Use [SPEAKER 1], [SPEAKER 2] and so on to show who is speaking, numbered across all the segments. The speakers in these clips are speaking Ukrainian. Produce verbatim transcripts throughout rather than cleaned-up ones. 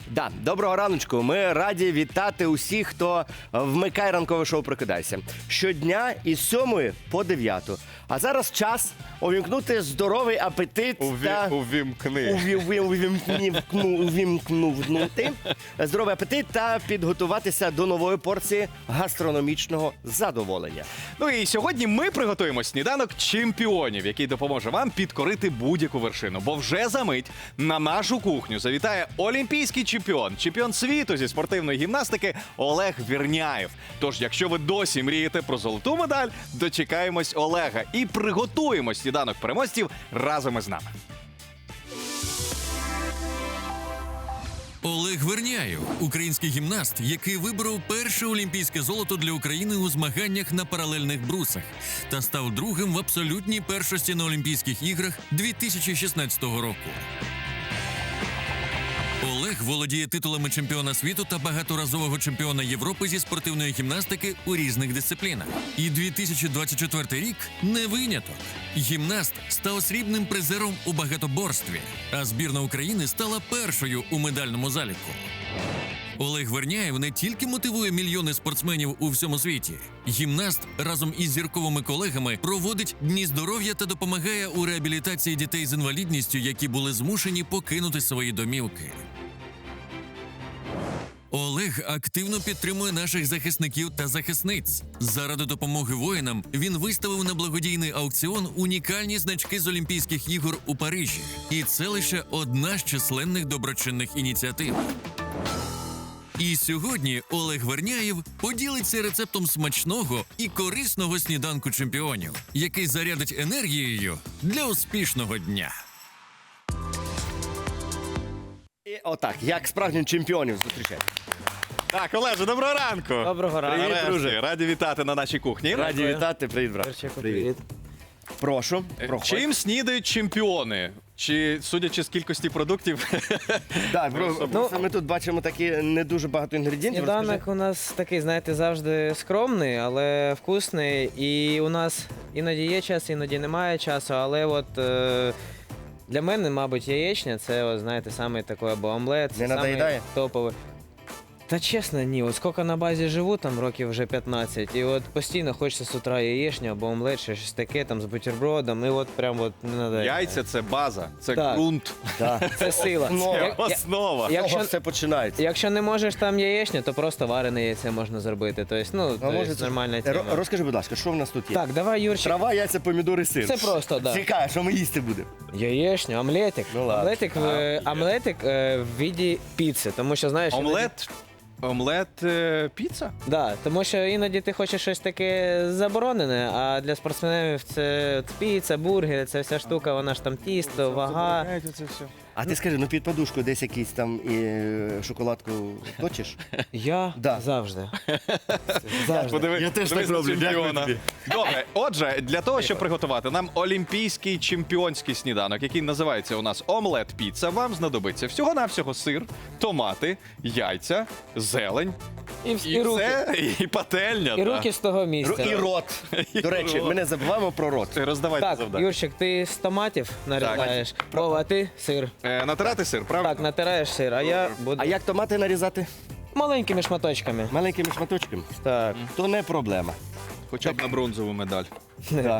[SPEAKER 1] Да, доброго раночку. Ми раді вітати усіх, хто вмикає ранкове шоу «Прокидайся». Щодня із сьомої по дев'яту. А зараз час увімкнути здоровий апетит
[SPEAKER 2] Уві...
[SPEAKER 1] та...
[SPEAKER 2] Увімкни.
[SPEAKER 1] Уві- уві- увімкну- Увімкнути здоровий апетит та підготуватися до нової порції гастрономічного задоволення.
[SPEAKER 2] Ну і сьогодні ми приготуємо сніданок чемпіонів, який допоможе вам підкорити будь-яку вершину. Бо вже за мить на нашу кухню завітає олімпійський чемпіон, чемпіон світу зі спортивної гімнастики Олег Верняєв. Тож, якщо ви досі мрієте про золоту медаль, дочекаємось Олега і приготуємо сніданок переможців разом із нами.
[SPEAKER 3] Олег Верняєв – український гімнаст, який виборов перше олімпійське золото для України у змаганнях на паралельних брусах та став другим в абсолютній першості на Олімпійських іграх дві тисячі шістнадцятого року. Олег володіє титулами чемпіона світу та багаторазового чемпіона Європи зі спортивної гімнастики у різних дисциплінах. І дві тисячі двадцять четвертий рік не виняток. Гімнаст став срібним призером у багатоборстві, а збірна України стала першою у медальному заліку. Олег Верняєв не тільки мотивує мільйони спортсменів у всьому світі. Гімнаст разом із зірковими колегами проводить дні здоров'я та допомагає у реабілітації дітей з інвалідністю, які були змушені покинути свої домівки. Олег активно підтримує наших захисників та захисниць. Заради допомоги воїнам він виставив на благодійний аукціон унікальні значки з Олімпійських ігор у Парижі. І це лише одна з численних доброчинних ініціатив. І сьогодні Олег Верняєв поділиться рецептом смачного і корисного сніданку чемпіонів, який зарядить енергією для успішного дня.
[SPEAKER 1] І отак, як справжніх чемпіонів зустрічати.
[SPEAKER 2] Так, Олеже, доброго ранку!
[SPEAKER 4] Доброго ранку.
[SPEAKER 2] Привіт,
[SPEAKER 1] Нарешті.
[SPEAKER 2] друже. Раді вітати на нашій кухні.
[SPEAKER 1] Раді
[SPEAKER 4] Дякую.
[SPEAKER 1] вітати, привіт, брат.
[SPEAKER 4] Перчику,
[SPEAKER 1] Привіт.
[SPEAKER 4] привіт.
[SPEAKER 1] Прошу, проходь.
[SPEAKER 2] Чим снідають чемпіони? Чи, судячи з кількості продуктів,
[SPEAKER 1] Так, бро, просто ми тут бачимо такі не дуже багато інгредієнтів.
[SPEAKER 4] Сніданок
[SPEAKER 1] Розкажи.
[SPEAKER 4] у нас такий, знаєте, завжди скромний, але вкусний. І у нас іноді є час, іноді немає часу, але от е, для мене, мабуть, яєчня це, от, знаєте, саме такий або омлет,
[SPEAKER 1] Не
[SPEAKER 4] самий
[SPEAKER 1] надоїдає?
[SPEAKER 4] топовий. Та чесно, ні, от скільки на базі живу, там років вже п'ятнадцять, і от постійно хочеться з утра яєчню або омлет, чи щось таке, там з бутербродом, і от прям от не надоїдає.
[SPEAKER 2] яйця це база, це
[SPEAKER 4] Так.
[SPEAKER 2] ґрунт,
[SPEAKER 1] Так.
[SPEAKER 4] Це сила.
[SPEAKER 1] Ну,
[SPEAKER 2] це
[SPEAKER 4] Як- я-
[SPEAKER 2] основа.
[SPEAKER 1] З
[SPEAKER 4] якщо-
[SPEAKER 1] того все починається.
[SPEAKER 4] Якщо не можеш там яєчню, то просто варене яйце можна зробити. Тобто, ну,
[SPEAKER 1] А
[SPEAKER 4] то
[SPEAKER 1] може,
[SPEAKER 4] є
[SPEAKER 1] це-
[SPEAKER 4] нормальна
[SPEAKER 1] Ро-
[SPEAKER 4] тема.
[SPEAKER 1] Розкажи, будь ласка, що в нас тут є?
[SPEAKER 4] Так, давай, Юрчик.
[SPEAKER 1] Трава, яйця, помідори, сир.
[SPEAKER 4] Це просто, да.
[SPEAKER 1] Цікаво, що ми їсти будемо.
[SPEAKER 4] Яєчню, омлетик.
[SPEAKER 1] Ну, ладно.
[SPEAKER 4] Омлетик, в, омлетик е, в віді піци, тому що, знаєш...
[SPEAKER 2] Омлет, омлет, е, піца?
[SPEAKER 4] Іноді, да, тому що іноді ти хочеш щось таке заборонене, а для спортсменів це от піца, бургери, це вся штука, вона ж там тісто, вага.
[SPEAKER 1] А ти скажи, ну під подушкою десь якийсь там і, е, шоколадку точиш?
[SPEAKER 4] Я
[SPEAKER 1] Да.
[SPEAKER 4] завжди. Завжди.
[SPEAKER 2] Подиви,
[SPEAKER 1] Я теж
[SPEAKER 2] подивись
[SPEAKER 1] так
[SPEAKER 2] на
[SPEAKER 1] роблю, дякую
[SPEAKER 2] чемпіона.
[SPEAKER 1] тобі.
[SPEAKER 2] Добре, отже, для того, щоб приготувати нам олімпійський чемпіонський сніданок, який називається у нас омлет-піца, вам знадобиться всього-навсього сир, томати, яйця, зелень
[SPEAKER 4] І, вс-
[SPEAKER 2] і,
[SPEAKER 4] і руки.
[SPEAKER 2] все, і пательня.
[SPEAKER 4] І
[SPEAKER 2] та.
[SPEAKER 4] руки з того
[SPEAKER 1] Ру-
[SPEAKER 4] місця.
[SPEAKER 1] І рот.
[SPEAKER 2] І
[SPEAKER 1] До речі,
[SPEAKER 2] рот.
[SPEAKER 1] ми не забуваємо про рот.
[SPEAKER 2] Роздавайте
[SPEAKER 4] Так,
[SPEAKER 2] завдання.
[SPEAKER 4] Юрчик, ти з томатів нарізаєш, Вова, а ти сир.
[SPEAKER 2] Е, натирати сир, правильно?
[SPEAKER 4] Так, натираєш сир, а я буду
[SPEAKER 1] А як томати нарізати?
[SPEAKER 4] маленькими шматочками.
[SPEAKER 1] Маленькими шматочками?
[SPEAKER 4] Так,
[SPEAKER 1] То не проблема.
[SPEAKER 2] Хоча б на бронзову медаль.
[SPEAKER 1] Да.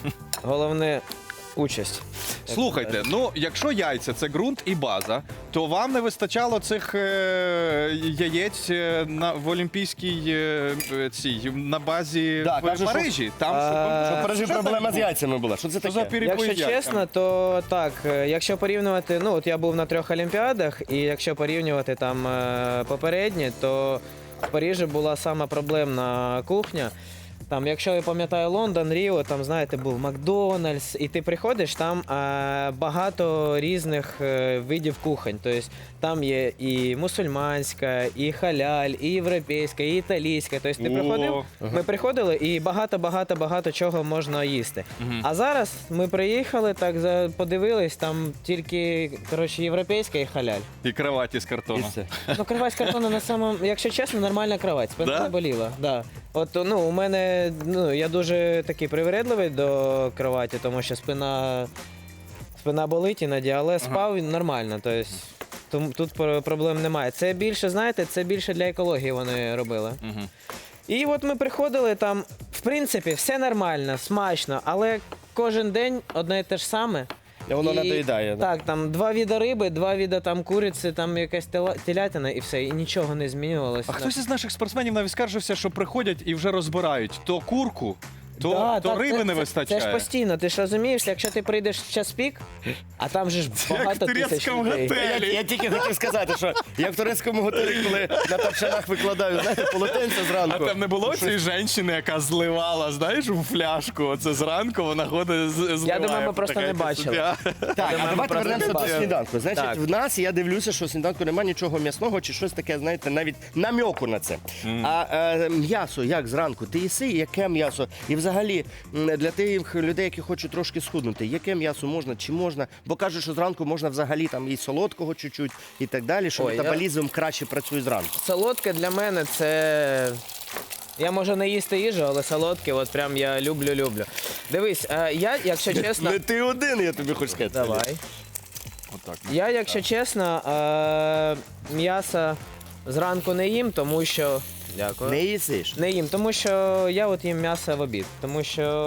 [SPEAKER 4] головне участь.
[SPEAKER 2] Слухайте, ну якщо яйця це ґрунт і база, то вам не вистачало цих е, яєць е, на в олімпійській е, е, цій на базі
[SPEAKER 1] Да,
[SPEAKER 2] в
[SPEAKER 1] кажуть, що-
[SPEAKER 2] Парижі. Там
[SPEAKER 4] А,
[SPEAKER 2] щоб,
[SPEAKER 1] В Парижі проблема з яйцями була. Що це
[SPEAKER 2] Що за
[SPEAKER 1] таке?
[SPEAKER 2] пірі-пої
[SPEAKER 4] Якщо
[SPEAKER 2] яйця?
[SPEAKER 4] чесно, то так, е, якщо порівнювати, ну от я був на трьох олімпіадах, і якщо порівнювати там е, попередні, то в Парижі була сама проблемна кухня. Там, якщо я пам'ятаю Лондон, Ріо, там, знаєте, був Макдональдс, і ти приходиш, там е, багато різних е, видів кухонь. Тобто там є і мусульманська, і халяль, і європейська, і італійська. Тобто ти
[SPEAKER 2] О,
[SPEAKER 4] приходив, ми приходили і багато-багато-багато чого можна їсти. А зараз ми приїхали, так за- подивились, там тільки, коротше, європейська і халяль.
[SPEAKER 2] І кроваті з
[SPEAKER 1] І
[SPEAKER 2] картону.
[SPEAKER 1] все.
[SPEAKER 4] Ну, кровать з картону на самому, якщо чесно, нормальна кровать. Спина
[SPEAKER 2] Да?
[SPEAKER 4] не боліла. Да. От, ну, у мене, ну, я дуже такий привередливий до кроваті, тому що спина, спина болить іноді, але спав нормально. Тобто, тому тут про- проблем немає. Це більше, знаєте, це більше для екології вони робили.
[SPEAKER 2] Мгм.
[SPEAKER 4] І от ми приходили там, в принципі, все нормально, смачно, але кожен день одне і те ж саме.
[SPEAKER 1] І воно
[SPEAKER 4] І-
[SPEAKER 1] надоїдає. да.
[SPEAKER 4] Так, там два віда риби, два віда там куриці, там якась тела- телятина і все, і нічого не змінювалося.
[SPEAKER 2] А хтось із наших спортсменів навіть скаржився, що приходять і вже розбирають то курку, то,
[SPEAKER 4] Да,
[SPEAKER 2] то
[SPEAKER 4] так,
[SPEAKER 2] риби
[SPEAKER 4] це,
[SPEAKER 2] не
[SPEAKER 4] це-
[SPEAKER 2] вистачає.
[SPEAKER 4] Це ж постійно, ти ж розумієш, якщо ти прийдеш в час пік, а там же ж
[SPEAKER 2] як
[SPEAKER 4] багато
[SPEAKER 2] в
[SPEAKER 4] тисяч
[SPEAKER 2] турецькому
[SPEAKER 4] людей.
[SPEAKER 2] готелі.
[SPEAKER 1] Я, я тільки хотів сказати, що я в турецькому готелі, коли на тапчанах викладаю, знаєте, полотенце
[SPEAKER 2] А
[SPEAKER 1] зранку.
[SPEAKER 2] там не було цієї жінки, яка зливала, знаєш, у фляжку. Оце зранку вона ходить з зливає.
[SPEAKER 4] Я думаю, ми просто
[SPEAKER 2] Така
[SPEAKER 4] не
[SPEAKER 2] якась
[SPEAKER 4] бачили.
[SPEAKER 2] суддя.
[SPEAKER 1] Так,
[SPEAKER 4] Думаю,
[SPEAKER 1] а
[SPEAKER 4] ми
[SPEAKER 1] давайте
[SPEAKER 4] просто
[SPEAKER 1] вернемося
[SPEAKER 4] не
[SPEAKER 1] до
[SPEAKER 4] бачили.
[SPEAKER 1] сніданку. Значить,
[SPEAKER 4] Так.
[SPEAKER 1] в нас, я дивлюся, що в сніданку немає нічого м'ясного чи щось таке, знаєте, навіть намьоку на це. А е, м'ясо, як зранку? Ти їси, яке м'ясо? І взагалі, м, для тих людей, які хочуть трошки схуднути, яке м'ясо можна, чи можна? Бо кажуть, що зранку можна взагалі там і солодкого чуть-чуть, і так далі, що
[SPEAKER 4] Ой, я-
[SPEAKER 1] метаболізм краще працює зранку.
[SPEAKER 4] Солодке для мене це. Я можу не їсти їжу, але солодке, от прям я люблю-люблю. Дивись, е, я, якщо чесно.
[SPEAKER 1] Не ти один, я тобі хочу сказати.
[SPEAKER 4] Давай.
[SPEAKER 2] Отак.
[SPEAKER 4] Я, якщо чесно, е, м'яса зранку не їм, тому що. Дякую.
[SPEAKER 1] Не їсиш.
[SPEAKER 4] Не їм, тому що я от їм м'ясо в обід. Тому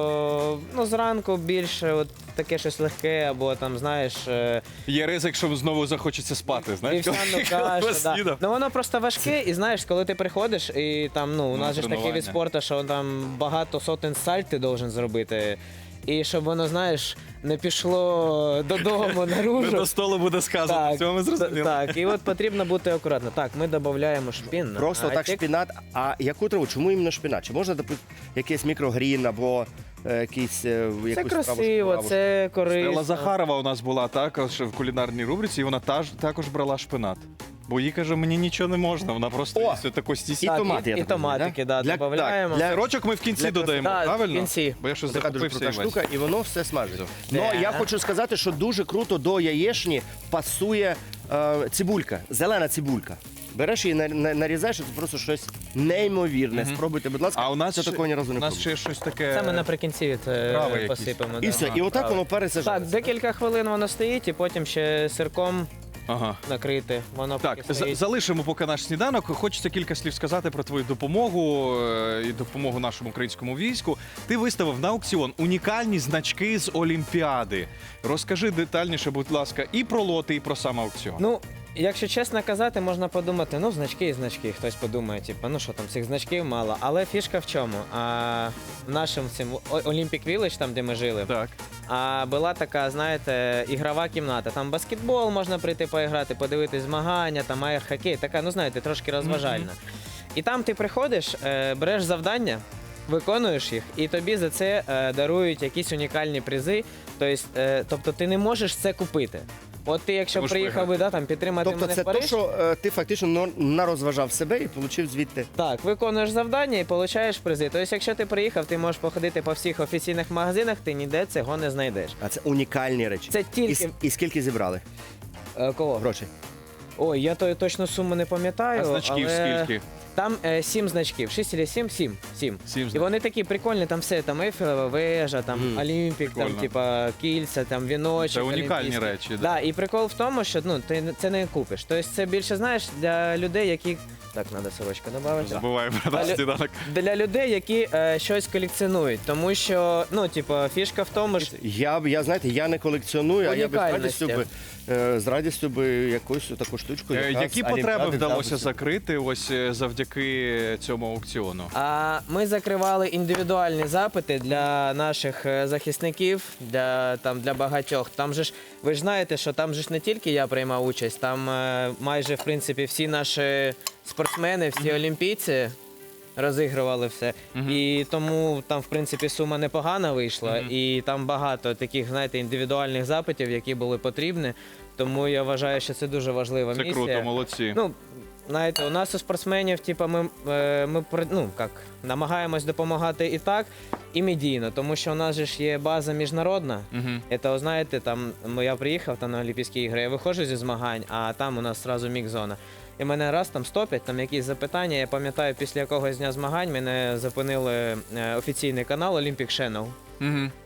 [SPEAKER 4] що ну, зранку більше от таке щось легке, або там, знаєш, е,
[SPEAKER 2] Є ризик, що знову захочеться спати, знаєш?
[SPEAKER 4] вівсяну
[SPEAKER 2] коли
[SPEAKER 4] кашу. Да.
[SPEAKER 2] поснідав.
[SPEAKER 4] Ну воно просто важке, і знаєш, коли ти приходиш, і там, ну, у
[SPEAKER 2] Ну,
[SPEAKER 4] нас же ж такий
[SPEAKER 2] тренування.
[SPEAKER 4] від спорту, що там багато сотень сальт ти должен зробити. І щоб воно, знаєш, не пішло додому
[SPEAKER 2] Не
[SPEAKER 4] наружу.
[SPEAKER 2] до столу буде сказано.
[SPEAKER 4] Так,
[SPEAKER 2] Цього ми зрозуміли.
[SPEAKER 4] так, і от потрібно бути акуратно. Так, ми додаємо шпінат.
[SPEAKER 1] Просто так шпінат. А яку траву? Чому іменно шпінат? Чи можна допустити якийсь мікрогрін або е, якийсь е,
[SPEAKER 4] Це
[SPEAKER 1] якусь траву
[SPEAKER 4] красиво,
[SPEAKER 1] шпинаву?
[SPEAKER 4] це корисно.
[SPEAKER 2] Стелла Захарова у нас була також в кулінарній рубриці, і вона таж, також брала шпинат. Бо їй каже, мені нічого не можна, вона просто
[SPEAKER 1] О!
[SPEAKER 2] їсть таку
[SPEAKER 1] І
[SPEAKER 2] стісі.
[SPEAKER 4] Так,
[SPEAKER 1] томати,
[SPEAKER 4] і-
[SPEAKER 1] я
[SPEAKER 4] і
[SPEAKER 1] так розумію,
[SPEAKER 4] томатики,
[SPEAKER 1] да?
[SPEAKER 4] да,
[SPEAKER 1] Для-
[SPEAKER 4] додаємо.
[SPEAKER 1] так, для-
[SPEAKER 2] Сирочок ми в кінці
[SPEAKER 1] Для
[SPEAKER 2] додаємо,
[SPEAKER 4] красоти.
[SPEAKER 2] правильно?
[SPEAKER 4] Так, в кінці.
[SPEAKER 2] Бо я щось
[SPEAKER 1] Така дуже
[SPEAKER 2] захопився
[SPEAKER 1] крута
[SPEAKER 2] і весь.
[SPEAKER 1] штука, і воно все смажить. Ну,
[SPEAKER 4] Да.
[SPEAKER 1] я хочу сказати, що дуже круто до яєчні пасує е, цибулька, зелена цибулька. Береш її, на- на- нарізаєш, і це просто щось неймовірне. Спробуйте, будь ласка,
[SPEAKER 2] А у нас,
[SPEAKER 1] це
[SPEAKER 2] ще,
[SPEAKER 1] такого ні разу не
[SPEAKER 2] у нас
[SPEAKER 1] пробував.
[SPEAKER 2] ще щось таке.
[SPEAKER 4] Це ми наприкінці це
[SPEAKER 2] Трави якісь.
[SPEAKER 4] посипемо.
[SPEAKER 1] І
[SPEAKER 4] да.
[SPEAKER 1] все, і отак
[SPEAKER 2] правильно.
[SPEAKER 1] воно пересажається.
[SPEAKER 4] Так, декілька хвилин воно стоїть, і потім ще сирком
[SPEAKER 2] Ага.
[SPEAKER 4] накрити. Воно
[SPEAKER 2] Так,
[SPEAKER 4] поки
[SPEAKER 2] за-
[SPEAKER 4] стоїть.
[SPEAKER 2] залишимо поки наш сніданок. Хочеться кілька слів сказати про твою допомогу е, і допомогу нашому українському війську. Ти виставив на аукціон унікальні значки з Олімпіади. Розкажи детальніше, будь ласка, і про лоти, і про сам аукціон.
[SPEAKER 4] Ну, якщо чесно казати, можна подумати, ну, значки і значки. Хтось подумає, типу, ну що там, цих значків мало. Але фішка в чому? А, в нашому цим О- Olympic Village, там, де ми жили,
[SPEAKER 2] Так.
[SPEAKER 4] а була така, знаєте, ігрова кімната. Там баскетбол можна прийти поіграти, подивитись змагання, там аєр-хокей, така, ну знаєте, трошки розважальна. І там ти приходиш, е, береш завдання, виконуєш їх, і тобі за це е, дарують якісь унікальні призи. Тобто, е, тобто ти не можеш це купити. От ти, якщо
[SPEAKER 2] Можеш
[SPEAKER 4] приїхав би, да, там, підтримати
[SPEAKER 1] Тобто
[SPEAKER 4] мене
[SPEAKER 1] це
[SPEAKER 4] в Париж,
[SPEAKER 1] те, що е, ти фактично но- нарозважав себе і отримав звідти.
[SPEAKER 4] так, виконуєш завдання і отримуєш призи. Тобто, якщо ти приїхав, ти можеш походити по всіх офіційних магазинах, ти ніде цього не знайдеш.
[SPEAKER 1] А це унікальні речі.
[SPEAKER 4] Це
[SPEAKER 1] І,
[SPEAKER 4] тільки
[SPEAKER 1] с- і скільки зібрали
[SPEAKER 4] е, кого?
[SPEAKER 1] грошей?
[SPEAKER 4] Ой, я то точно суму не пам'ятаю.
[SPEAKER 2] А значків
[SPEAKER 4] але...
[SPEAKER 2] скільки?
[SPEAKER 4] Там е, сім значків. Шість чи сім? Сім. Сім.
[SPEAKER 2] Сім
[SPEAKER 4] І
[SPEAKER 2] значків.
[SPEAKER 4] вони такі прикольні, там все, там Ейфелева вежа, там
[SPEAKER 1] Мгм.
[SPEAKER 4] Олімпік, там,
[SPEAKER 2] Прикольно.
[SPEAKER 4] типа, кільця, там віночок.
[SPEAKER 2] Це унікальні
[SPEAKER 4] олімпійський.
[SPEAKER 2] речі. Да.
[SPEAKER 4] Да, і прикол в тому, що ну, ти це не купиш. Тобто це більше, знаєш, для людей, які. Так, треба сорочку додати.
[SPEAKER 2] Забуваємо про наш
[SPEAKER 4] Але-
[SPEAKER 2] сніданок.
[SPEAKER 4] Для людей, які е, щось колекціонують. Тому що, ну, типу, фішка в тому, що.
[SPEAKER 1] Я, б- я знаєте, я не колекціоную, а я б з
[SPEAKER 4] Унікальності.
[SPEAKER 1] радістю би, е, з радістю би якусь таку штучку.
[SPEAKER 2] Е,
[SPEAKER 1] яка
[SPEAKER 2] Які
[SPEAKER 1] з
[SPEAKER 2] потреби
[SPEAKER 1] Олімпіади
[SPEAKER 2] вдалося
[SPEAKER 1] взяла би.
[SPEAKER 2] закрити ось е, завдяки цьому аукціону?
[SPEAKER 4] А ми закривали індивідуальні запити для наших е, захисників, для там для багатьох. Там же ж ви ж знаєте, що там же ж не тільки я приймав участь, там е, майже в принципі всі наші спортсмени, всі олімпійці розігрували все. І тому там, в принципі, сума непогана вийшла, і там багато таких, знаєте, індивідуальних запитів, які були потрібні. Тому я вважаю, що це дуже важлива
[SPEAKER 2] Це
[SPEAKER 4] місія.
[SPEAKER 2] круто, молодці.
[SPEAKER 4] Ну, знаєте, у нас у спортсменів, типу, ми, е, ми при- ну, як, намагаємось допомагати і так, і медійно, тому що у нас же ж є база міжнародна.
[SPEAKER 2] Мгм.
[SPEAKER 4] Це, знаєте, там ну, я приїхав там, на Олімпійські ігри, я виходжу зі змагань, а там у нас одразу мікс-зона. І мене раз там стопять, там якісь запитання. Я пам'ятаю, після якогось дня змагань мене зупинили е, офіційний канал Olympic Channel.
[SPEAKER 2] Мгм.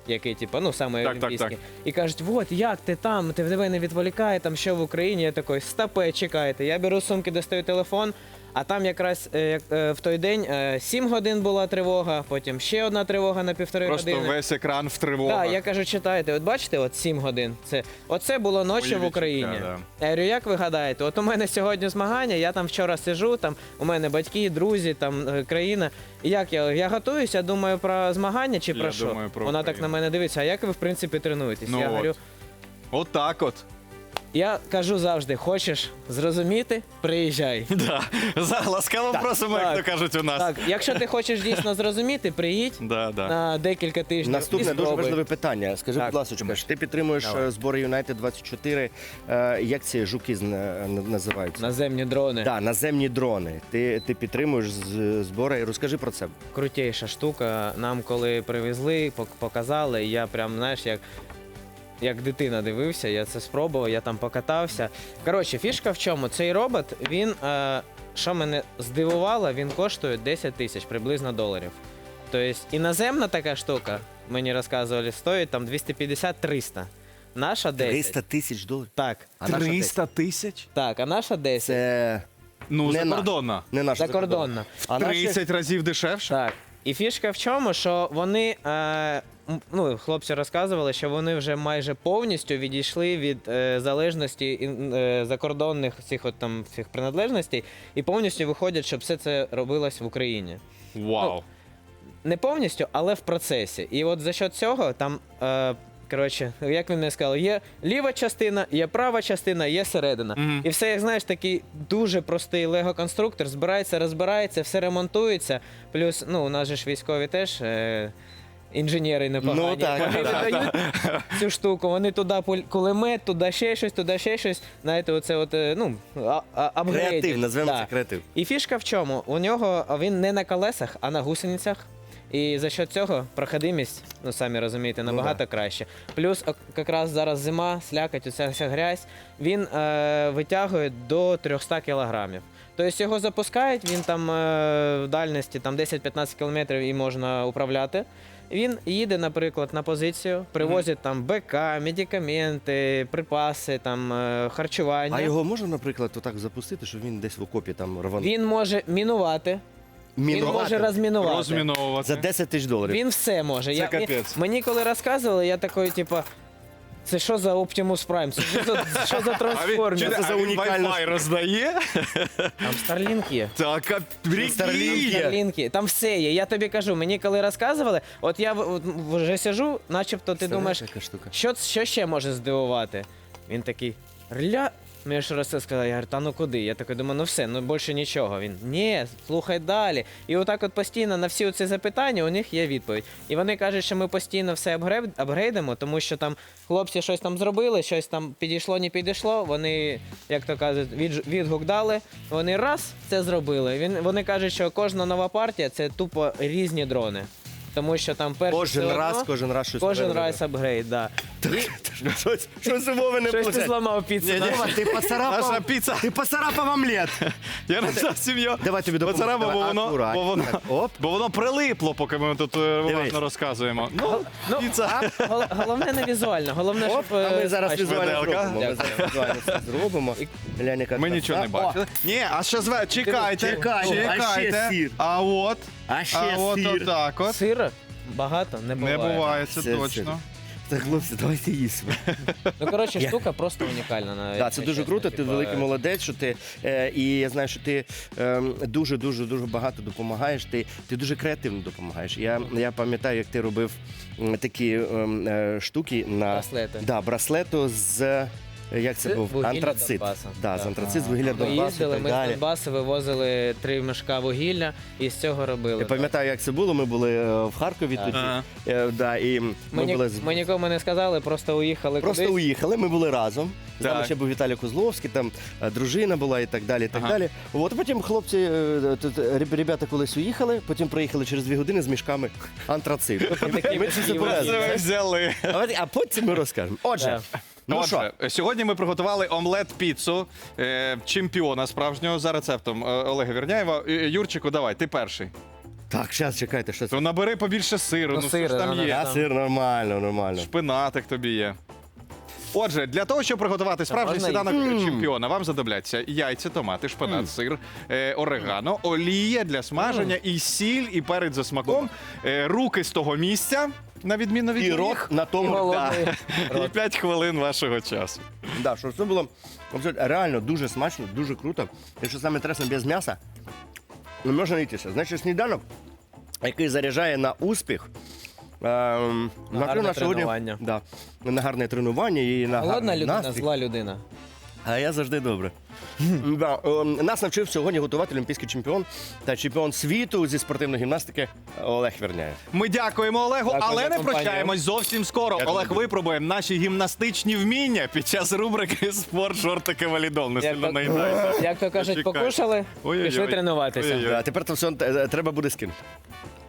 [SPEAKER 4] який, типу, ну, саме
[SPEAKER 2] Так, так,
[SPEAKER 4] олімпійський.
[SPEAKER 2] так.
[SPEAKER 4] І кажуть, от, як ти там, ти в тебе не відволікає, там що в Україні. Я такий, стопе, чекайте. Я беру з сумки, достаю телефон, а там якраз е, як, е, в той день е, сім годин була тривога, потім ще одна тривога на півтори
[SPEAKER 2] Просто
[SPEAKER 4] години.
[SPEAKER 2] весь екран в тривогах.
[SPEAKER 4] Так, я кажу, читайте, от бачите, от сім годин. Це, оце було ночі
[SPEAKER 2] Мої
[SPEAKER 4] в Україні.
[SPEAKER 2] відчуття,
[SPEAKER 4] Я говорю, як ви гадаєте? От у мене сьогодні змагання, я там вчора сижу, там у мене батьки, друзі, там е, країна. І як я? Я готуюся, думаю про змагання чи
[SPEAKER 2] Я
[SPEAKER 4] про що?
[SPEAKER 2] думаю про
[SPEAKER 4] Вона так
[SPEAKER 2] Україну.
[SPEAKER 4] на мене дивиться, а як ви в принципі тренуєтесь?
[SPEAKER 2] Ну
[SPEAKER 4] я
[SPEAKER 2] от.
[SPEAKER 4] говорю,
[SPEAKER 2] Отак от.
[SPEAKER 4] я кажу завжди, хочеш зрозуміти, приїжджай.
[SPEAKER 2] Да. За- Ласкаво просимо, як
[SPEAKER 4] так.
[SPEAKER 2] то кажуть у нас.
[SPEAKER 4] Так, якщо ти хочеш дійсно зрозуміти, приїдь
[SPEAKER 2] Да, да.
[SPEAKER 4] на декілька тижнів. і
[SPEAKER 1] Наступне дуже
[SPEAKER 4] спробуй.
[SPEAKER 1] важливе питання. Скажи,
[SPEAKER 4] Так.
[SPEAKER 1] будь ласка, ж ти підтримуєш
[SPEAKER 4] Давай.
[SPEAKER 1] е, збори Юнайтед двадцять чотири. Е, Як ці жуки зна- н- називаються?
[SPEAKER 4] Наземні дрони.
[SPEAKER 1] Да, наземні дрони. Ти, ти підтримуєш з- збори. Розкажи про це.
[SPEAKER 4] Крутейша штука. Нам коли привезли, пок- показали, я прям, знаєш, як, як дитина дивився, я це спробував, я там покатався. Коротше, фішка в чому? Цей робот, він, е, що мене здивувало, він коштує десять тисяч приблизно доларів. Тобто іноземна така штука, мені розказували, стоїть там двісті п'ятдесят - триста. Наша десять.
[SPEAKER 1] триста тисяч доларів.
[SPEAKER 4] Так,
[SPEAKER 1] А наша
[SPEAKER 2] триста тисяч?
[SPEAKER 4] так, а наша десять.
[SPEAKER 1] Це
[SPEAKER 2] Ну,
[SPEAKER 1] Не
[SPEAKER 2] закордонна.
[SPEAKER 1] не наша
[SPEAKER 4] Закордонна.
[SPEAKER 1] А наші-
[SPEAKER 2] тридцять разів дешевше?
[SPEAKER 4] Так. І фішка в чому, що вони, е, м, ну, хлопці розказували, що вони вже майже повністю відійшли від е, залежності ін- е, закордонних цих от там всіх приналежностей і повністю виходять, щоб все це робилось в Україні.
[SPEAKER 2] Вау.
[SPEAKER 4] Не повністю, але в процесі. І от за счет цього там. Е, Коротше, як він мені сказав, є ліва частина, є права частина, є середина.
[SPEAKER 2] Мгм.
[SPEAKER 4] І все, як знаєш, такий дуже простий лего-конструктор, збирається, розбирається, все ремонтується. Плюс, ну, у нас же ж військові теж е, інженери непогані.
[SPEAKER 1] Ну, так.
[SPEAKER 4] Вони видають цю штуку, вони туди пуль- кулемет, туди ще щось, туди ще щось. Знаєте, оце от, е, ну, а- а- апгрейди.
[SPEAKER 1] Креатив, назвемо
[SPEAKER 4] Да.
[SPEAKER 1] це креатив.
[SPEAKER 4] І фішка в чому? У нього він не на колесах, а на гусеницях. І за що цього проходимість, ну самі розумієте, набагато краще. Плюс ок- якраз зараз зима, слякоть, оця вся грязь, він е, витягує до триста кілограмів. Тобто його запускають, він там е, в дальності там десять-п'ятнадцять кілометрів і можна управляти. Він їде, наприклад, на позицію, привозить там БК, медикаменти, припаси, там е, харчування.
[SPEAKER 1] А його можна, наприклад, отак запустити, щоб він десь в окопі там рванув?
[SPEAKER 4] Він може мінувати, він
[SPEAKER 1] Мінувати?
[SPEAKER 4] може розмінувати.
[SPEAKER 2] Розміновувати.
[SPEAKER 1] За десять тисяч доларів.
[SPEAKER 4] Він все може.
[SPEAKER 2] Це
[SPEAKER 4] я,
[SPEAKER 2] капець.
[SPEAKER 4] Мені коли розказували, я такий, типа, це що за Optimus Prime? Це що за, що за
[SPEAKER 2] А він,
[SPEAKER 4] трансформер?
[SPEAKER 2] чуєте,
[SPEAKER 1] Це за
[SPEAKER 2] а він
[SPEAKER 1] унікальна
[SPEAKER 2] Wi-Fi роздає?
[SPEAKER 4] Там Starlink є.
[SPEAKER 2] Так, а прикинь.
[SPEAKER 4] Starlink є. Там все є. Я тобі кажу, мені коли розказували, от я в- от вже сижу, начебто ти думаєш,
[SPEAKER 1] така штука.
[SPEAKER 4] що, що ще може здивувати? Він такий, рля. Мені ж раз це сказав, я говорю, та ну куди? Я такий думаю, ну все, ну більше нічого. Він, ні, слухай далі. І отак от постійно на всі ці запитання у них є відповідь. І вони кажуть, що ми постійно все апгрейд, апгрейдимо, тому що там хлопці щось там зробили, щось там підійшло, не підійшло. Вони, як то кажуть, від, відгук дали, вони раз це зробили. Він, вони кажуть, що кожна нова партія це тупо різні дрони. Тому що там перший
[SPEAKER 1] Кожен
[SPEAKER 4] все
[SPEAKER 1] раз,
[SPEAKER 4] одно,
[SPEAKER 1] кожен раз щось
[SPEAKER 4] кожен
[SPEAKER 1] нове
[SPEAKER 4] раз апгрейд, да.
[SPEAKER 1] Щось, щось у Вови не
[SPEAKER 4] Щось ти
[SPEAKER 1] получається.
[SPEAKER 4] зламав піцу. да?
[SPEAKER 1] Вова, ти
[SPEAKER 2] Наша
[SPEAKER 1] поцарапав,
[SPEAKER 2] піца.
[SPEAKER 1] ти поцарапав омлет.
[SPEAKER 2] Я не знав сім'ю.
[SPEAKER 1] Давай тобі допоможу.
[SPEAKER 2] Поцарапав, бо
[SPEAKER 1] Давай,
[SPEAKER 2] воно,
[SPEAKER 1] акурат.
[SPEAKER 2] бо воно,
[SPEAKER 1] Так, оп.
[SPEAKER 2] бо воно прилипло, поки ми тут е,
[SPEAKER 1] Дивись.
[SPEAKER 2] уважно розказуємо. Ну,
[SPEAKER 4] Ну,
[SPEAKER 2] піца.
[SPEAKER 4] а, гол- головне не візуально, головне,
[SPEAKER 1] Оп,
[SPEAKER 4] щоб...
[SPEAKER 1] а ми
[SPEAKER 4] е,
[SPEAKER 1] зараз
[SPEAKER 4] смачно.
[SPEAKER 1] візуально
[SPEAKER 2] Виделка.
[SPEAKER 1] зробимо. Ми зараз візуально все зробимо. Глянь, яка
[SPEAKER 2] Ми
[SPEAKER 1] краса.
[SPEAKER 2] нічого не
[SPEAKER 1] О,
[SPEAKER 2] бачили. Ні, а ще зве, чекайте,
[SPEAKER 1] Чекайте, а ще
[SPEAKER 2] чекайте.
[SPEAKER 1] сир.
[SPEAKER 2] А от,
[SPEAKER 1] А ще
[SPEAKER 2] а от
[SPEAKER 1] сир.
[SPEAKER 2] отак от.
[SPEAKER 4] Сира багато не буває.
[SPEAKER 2] Не буває, це
[SPEAKER 1] Це
[SPEAKER 2] точно.
[SPEAKER 1] Так, хлопці, давайте їсти.
[SPEAKER 4] Ну, коротше,
[SPEAKER 1] Я-
[SPEAKER 4] штука просто унікальна. навіть,
[SPEAKER 1] Так, це
[SPEAKER 4] якщо
[SPEAKER 1] дуже
[SPEAKER 4] чесно,
[SPEAKER 1] круто, ти
[SPEAKER 4] типа,
[SPEAKER 1] великий молодець, що ти е, і я знаю, що ти ем, дуже дуже дуже багато допомагаєш. Ти, ти дуже креативно допомагаєш. Я, я пам'ятаю, як ти робив м, такі ем, е, штуки на
[SPEAKER 4] Браслети.
[SPEAKER 1] Да, браслету з. Як це
[SPEAKER 4] З
[SPEAKER 1] був?
[SPEAKER 4] вугілля
[SPEAKER 1] Антрацит.
[SPEAKER 4] Донбасу.
[SPEAKER 1] Да, з
[SPEAKER 4] Так.
[SPEAKER 1] антрацит, з вугілля
[SPEAKER 4] Ми
[SPEAKER 1] Донбасу і
[SPEAKER 4] їздили,
[SPEAKER 1] так
[SPEAKER 4] ми з
[SPEAKER 1] далі.
[SPEAKER 4] Донбасу вивозили три мішка вугілля і з цього робили.
[SPEAKER 1] Я пам'ятаю, як це було. Ми були е, в Харкові
[SPEAKER 4] Так.
[SPEAKER 1] тоді.
[SPEAKER 2] Ага.
[SPEAKER 1] Е, да, і ми,
[SPEAKER 4] Ми, ні-
[SPEAKER 1] були з-
[SPEAKER 4] ми нікому не сказали, просто уїхали
[SPEAKER 1] Просто
[SPEAKER 4] кудись.
[SPEAKER 1] уїхали, ми були разом. З нами
[SPEAKER 2] Так.
[SPEAKER 1] ще був Віталій Козловський, там е, дружина була і так далі. І так
[SPEAKER 2] Ага.
[SPEAKER 1] далі. От потім хлопці, е, тут, е, реб- ребята колись уїхали, потім приїхали через дві години з мішками антрациту.
[SPEAKER 4] такі
[SPEAKER 1] Ми це
[SPEAKER 4] такі
[SPEAKER 1] забрали.
[SPEAKER 2] Це ви взяли.
[SPEAKER 1] А от- А потім ми розкажемо. Отже, ну що,
[SPEAKER 2] Отже, сьогодні ми приготували омлет-піцу е, чемпіона справжнього за рецептом е, Олега Вірняєва. Е, Юрчику, давай, ти перший.
[SPEAKER 1] Так, зараз чекайте, що це.
[SPEAKER 2] То набери побільше сиру,
[SPEAKER 4] Ну,
[SPEAKER 2] ну, що ж
[SPEAKER 4] сиру,
[SPEAKER 2] там
[SPEAKER 4] да,
[SPEAKER 2] є.
[SPEAKER 1] Я сир нормально, нормально.
[SPEAKER 2] Шпинатик тобі є. Отже, для того, щоб приготувати справжній
[SPEAKER 4] можна
[SPEAKER 2] сніданок чемпіона, вам знадобляться яйця, томати, шпинат, сир, е, орегано, олія для смаження, і сіль, і перець за смаком, е, руки з того місця, на відміну від
[SPEAKER 1] І
[SPEAKER 2] моїх,
[SPEAKER 1] рот на тому.
[SPEAKER 4] Голодний
[SPEAKER 2] і
[SPEAKER 4] рот.
[SPEAKER 2] п'ять хвилин вашого часу.
[SPEAKER 1] Да, що це було абсолютно реально дуже смачно, дуже круто. Якщо саме інтересно, без м'яса, не можна йтися. Значить, сніданок, який заряджає на успіх, ем, накрив
[SPEAKER 4] гарне
[SPEAKER 1] нас сьогодні-
[SPEAKER 4] тренування.
[SPEAKER 1] Да, на гарне тренування і на
[SPEAKER 4] Голодна
[SPEAKER 1] гарний
[SPEAKER 4] людина,
[SPEAKER 1] настрій.
[SPEAKER 4] зла людина.
[SPEAKER 1] А я завжди добре. Да, ем, нас навчив сьогодні готувати олімпійський чемпіон та чемпіон світу зі спортивної гімнастики Олег Верняєв.
[SPEAKER 2] Ми дякуємо Олегу,
[SPEAKER 4] Дякую
[SPEAKER 2] але
[SPEAKER 4] за
[SPEAKER 2] не
[SPEAKER 4] компанію.
[SPEAKER 2] прощаємось зовсім скоро.
[SPEAKER 1] Я
[SPEAKER 2] Олег
[SPEAKER 1] тобі.
[SPEAKER 2] випробує наші гімнастичні вміння під час рубрики «Спорт, шортики, валідол». Не
[SPEAKER 4] Як
[SPEAKER 2] сильно
[SPEAKER 4] то-
[SPEAKER 2] наїдайся.
[SPEAKER 4] Як то кажуть,
[SPEAKER 2] Чекай.
[SPEAKER 4] покушали,
[SPEAKER 2] Ой-ой-ой.
[SPEAKER 4] пішли тренуватися.
[SPEAKER 2] Ой-ой-ой.
[SPEAKER 1] А тепер це все е, треба буде скинути.